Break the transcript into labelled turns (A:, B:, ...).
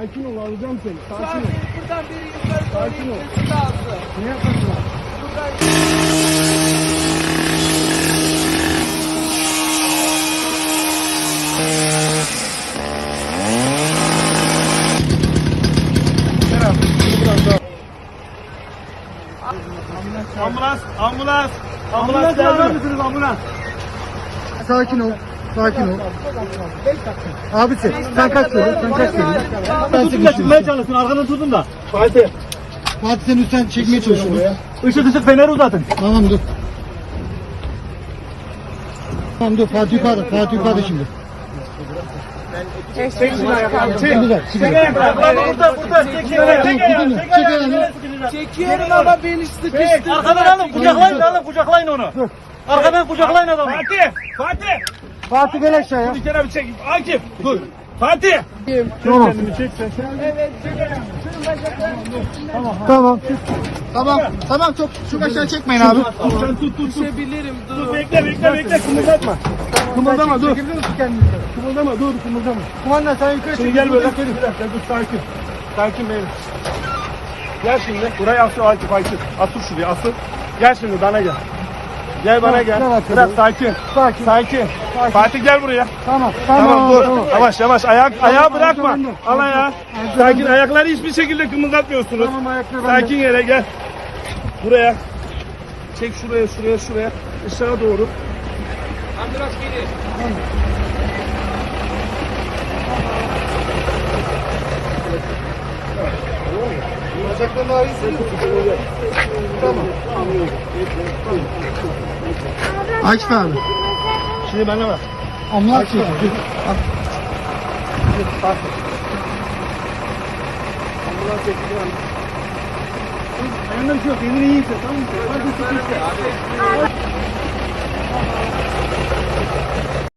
A: Sakin ol, alacağım seni.
B: Şu an
A: Sakin ol.
B: benim buradan biri yukarı doğru
A: Sakin ol.
B: gitmesi lazım.
A: Ne yapmasın?
B: Buradan
A: Ambulans, ambulans. Ambulans çağırır mısınız ambulans?
C: Sakin ol. Sakin ol. Abi sen kaç söyle? Sen kaç söyle? Ben
A: Tutun da çıkmaya çalışsın, arkadan tutun da. Fatih.
C: Fatih sen lütfen çekmeye çalışıyorsun.
A: Işık feneri uzatın.
C: Tamam dur. Tamam dur Fatih yukarıda. Fatih yukarıda şimdi.
A: Çek şunu ayaklarını, çek.
C: Güzel.
A: Çek
C: Güzel.
A: ayaklarını, burada. Çek ayaklarını.
C: Çek ayağını.
B: çekiyorum ama beni sıkıştırdı.
A: Arkadan alın, kucaklayın onu. Arkadan kucaklayın adamı. Fatih.
C: Fatih gel aşağıya.
A: Bir kere bir çek. Akif, dur. Fatih.
C: Tamam.
A: Kendini çek sen.
B: Evet, çekiyorum. Şunun bacaklarını
C: Tamam. Tamam çok aşağı çekmeyin abi.
A: Sen tut.
B: düşebilirim. Dur.
A: Bekle. Kımıldatma. Kımıldama, dur. Kımıldama, dur.
C: Kumanda sen yukarı
A: Şimdi gel böyle. Bir dakika, dur. Sakin. Sakin benim. Gel şimdi. Buraya asıl Akif. Asıl şuraya, asıl. Gel şimdi, bana gel. Gel bana gel. Biraz sakin. Sakin. Fatih gel buraya. Tamam dur. Yavaş. Ayağı bırakma. Al ayağı. Sakin. Ayakları hiçbir şekilde kımıldatmıyorsunuz.
C: Tamam ayakları
A: Sakin yere gel. Buraya. Çek şuraya. Aşağı doğru.
B: Ambulans gelir.
C: Bacaklarını ağrıyorsun. Tamam. Akif abi.
A: Şimdi bana bak.
C: Ambulans çekiyor.
A: Ayağından bir şey yok. Elini iyi hisset. Tamam mı? Hadi sıkıştı.